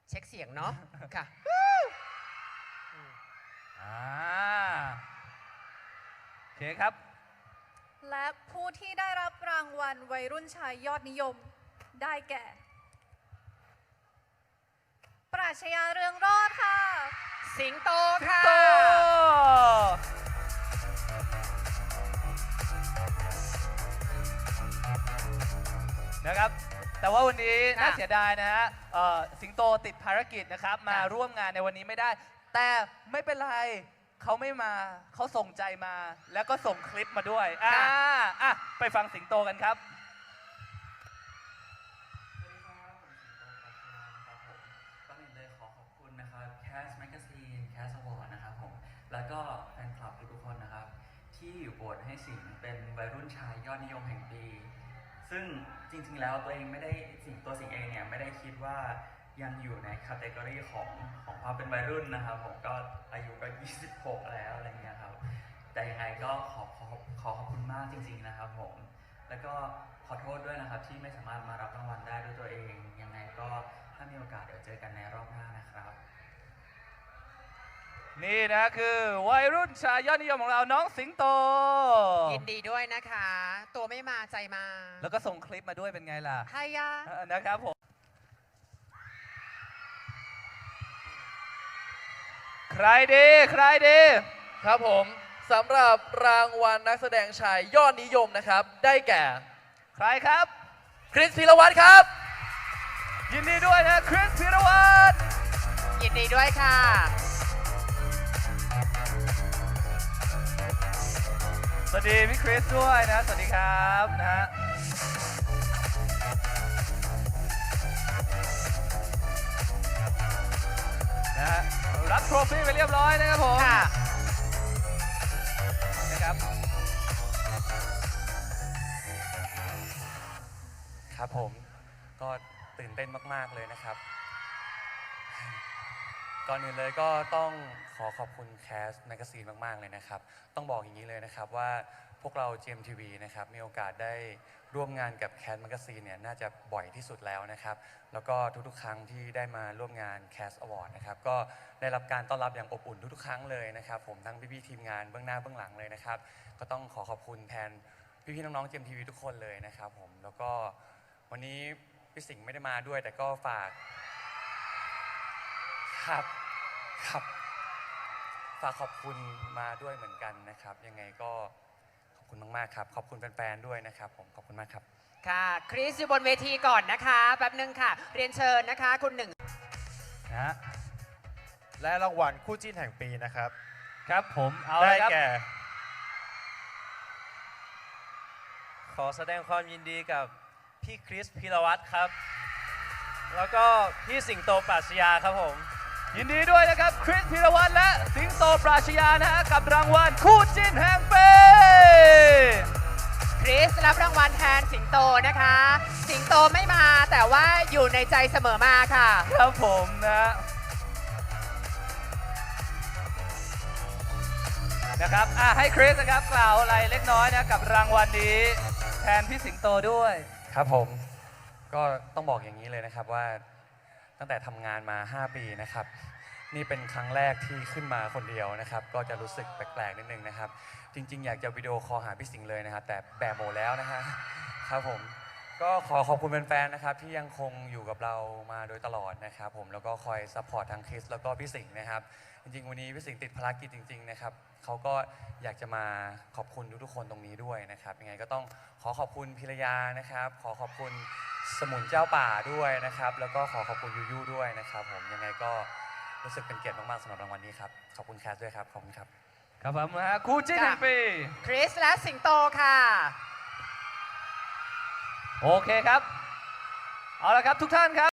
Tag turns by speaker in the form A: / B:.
A: เช็คเสียงเนาะค่ะ
B: โอเคครับ
C: และผู้ที่ได้รับรางวัลวัยรุ่นชายยอดนิยมได้แก่ ปราชญาเรืองรอดค่ะ
A: สิงโตค่ะ
B: นะครับแต่ว่าวันนี้น่าเสียดายนะฮะสิงโตติดภารกิจนะครับมาร่วมงานในวันนี้ไม่ได้ แต่ไม่เป็นไรเขาไม่มาเขาส่งใจมาแล้วก็ส่งคลิปมาด้วยไปฟังสิงโตกันครับ
D: ก่อนอื่นเลยขอขอบคุณนะครับ Cast Magazine Cast Award นะครับผมแล้วก็แฟนคลับทุกคนนะครับที่โหวตให้สิงเป็นวัยรุ่นชายยอดนิยมแห่งปีซึ่งจริงๆแล้วตัวเองไม่ได้สิงเองเนี่ยไม่ได้คิดว่ายังอยู่ในแคตตากรีของความเป็นวัยรุ่นนะครับผมก็อายุก็26แล้วอะไรเงี้ยครับแต่ยังไงก็ขอขอบคุณมากจริงๆนะครับผมแล้วก็ขอโทษด้วยนะครับที่ไม่สามารถมารับรางวัลได้ด้วยตัวเองยังไงก็ถ้ามีโอกาสเดี๋ยวเจอกันในรอบหน้านะครับ
B: นี่นะคือวัยรุ่นชายยอดนิยมของเราน้องสิงโต
A: ยินดีด้วยนะคะ ตัวไม่มาใจมา
B: แล้วก็ส่งคลิปมาด้วยเป็นไงล่ะ
A: ใช่ยะ
B: นะครับผมใครดี
E: ครับผมสำหรับรางวัลนักแสดงชายยอดนิยมนะครับได้แก่
B: ใครครับ
E: คริสพีรวัตรครับ
B: ยินดีด้วยนะคริสพีรวัตร
A: ยินดีด้วยค่ะ
B: สวัสดีพี่คริสด้วยนะสวัสดีครับนะฮะรับโทรฟี่ไปเรียบร้อยนะครับผมนะครับ
F: ครับผมก็ตื่นเต้นมากๆเลยนะครับก่อนอื่นเลยก็ต้องขอขอบคุณ Cast Magazine มากๆเลยนะครับต้องบอกอย่างนี้เลยนะครับว่าพวกเรา GMTV นะครับมีโอกาสได้ร่วมงานกับ Cast Magazine เนี่ยน่าจะบ่อยที่สุดแล้วนะครับแล้วก็ทุกๆครั้งที่ได้มาร่วมงาน Cast Award นะครับก็ได้รับการต้อนรับอย่างอบอุ่นทุกๆครั้งเลยนะครับผมทั้งพี่ๆทีมงานเบื้องหน้าเบื้องหลังเลยนะครับก็ต้องขอขอบคุณแทนพี่ๆน้องๆ GMTV ทุกคนเลยนะครับผมแล้วก็วันนี้พี่สิงห์ไม่ได้มาด้วยแต่ก็ฝากครับฝากขอบคุณมาด้วยเหมือนกันนะครับยังไงก็ขอบคุณมากๆครับขอบคุณแฟนๆด้วยนะครับผมขอบคุณมากครับ
A: ค่ะคริสอยู่บนเวทีก่อนนะคะแป๊บนึงค่ะเรียนเชิญนะคะคุณหนึ่ง
B: นะ
G: และรางวัลคู่จิ้นแห่งปีนะครับ
B: ครับผมเอา
G: ได้
B: เลยครับ
G: แก่ขอแสดงความยินดีกับพี่คริสพีรวัตรครับแล้วก็พี่สิงโตปราชญาครับผม
B: ยินดีด้วยนะครับคริสพีรวัตรและสิงโตปราชญานะฮะกับรางวัลคู่จิ้นแห่งปี
A: คริสรับรางวัลแทนสิงโตนะคะสิงโตไม่มาแต่ว่าอยู่ในใจเสมอมาค่ะ
B: ครับผมนะครับให้คริสนะครับกล่าวอะไรเล็กน้อยนะกับรางวัลนี้แทนพี่สิงโตด้วย
F: ครับผมก็ต้องบอกอย่างนี้เลยนะครับว่าตั้งแต่ทำงานมา5 ปีนะครับนี่เป็นครั้งแรกที่ขึ้นมาคนเดียวนะครับก็จะรู้สึกแปลกๆนิดนึงนะครับจริงๆอยากจะวิดีโอคอลหาพี่สิงห์เลยนะครับแต่แบบโหมดแล้วนะฮะครับผมก็ขอขอบคุณแฟนๆนะครับที่ยังคงอยู่กับเรามาโดยตลอดนะครับผมแล้วก็คอยซัพพอร์ตทางคริสแล้วก็พี่สิงห์นะครับจริงๆวันนี้พี่สิงห์ติดภารกิจจริงๆนะครับเขาก็อยากจะมาขอบคุณทุกๆคนตรงนี้ด้วยนะครับยังไงก็ต้องขอขอบคุณพิรยานะครับขอขอบคุณสมุนเจ้าป่าด้วยนะครับแล้วก็ขอขอบคุณยูยูด้วยนะครับผมยังไงก็รู้สึกเป็นเกียรติมากๆสำหรับรางวัลนี้ครับขอบคุณแคสด้วยครับขอบคุณครับ
B: ครับผมนะฮะคู่จิ้นแห่งปี
A: คริสและสิงโตค่ะ
B: โอเคครับเอาละครับทุกท่านครับ